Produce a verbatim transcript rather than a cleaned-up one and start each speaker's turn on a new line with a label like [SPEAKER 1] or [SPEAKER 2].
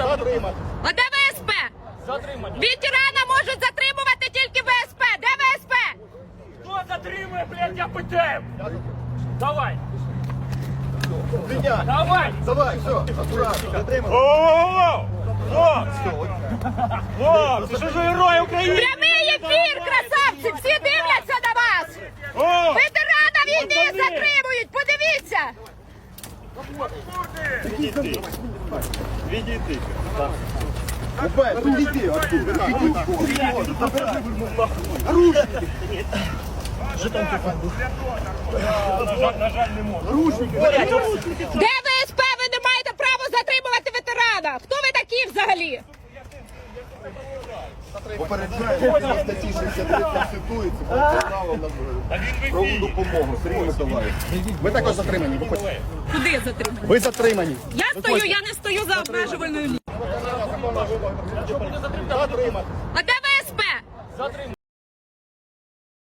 [SPEAKER 1] Затримати.
[SPEAKER 2] А де ВСП?
[SPEAKER 1] Затримати.
[SPEAKER 2] Ветерана можуть затримувати тільки ВСП. Де ВСП?
[SPEAKER 1] Хто затримує, блядь, я питаю? Давай.
[SPEAKER 3] Прийняти.
[SPEAKER 1] Давай.
[SPEAKER 3] Давай, все, акуратно. Затримали.
[SPEAKER 1] О-о-о! Хлопці! Хлопці, що ж ви герої України?
[SPEAKER 2] Прямий ефір, красавці! Всі дивляться на вас!
[SPEAKER 1] О!
[SPEAKER 2] Ветерана війни затримують! Подивіться!
[SPEAKER 1] Відійди. Відійди.
[SPEAKER 3] Опять, підійди, оттуда.
[SPEAKER 1] На жаль, на жаль, не можу.
[SPEAKER 2] Де ВСП? Ви не маєте права затримувати ветерана! Хто ви такі взагалі?
[SPEAKER 3] Попереджаю, на статті шістдесят три Конституції про право на правову допомогу. Сергій Миколаївич. Ви також затримані. Ви хочете?
[SPEAKER 2] Куди затримані?
[SPEAKER 3] Ви затримані.
[SPEAKER 2] Я стою, я не стою за обмежувальною лінією.
[SPEAKER 3] Затримати.
[SPEAKER 2] А де ВСП?
[SPEAKER 1] Затримати.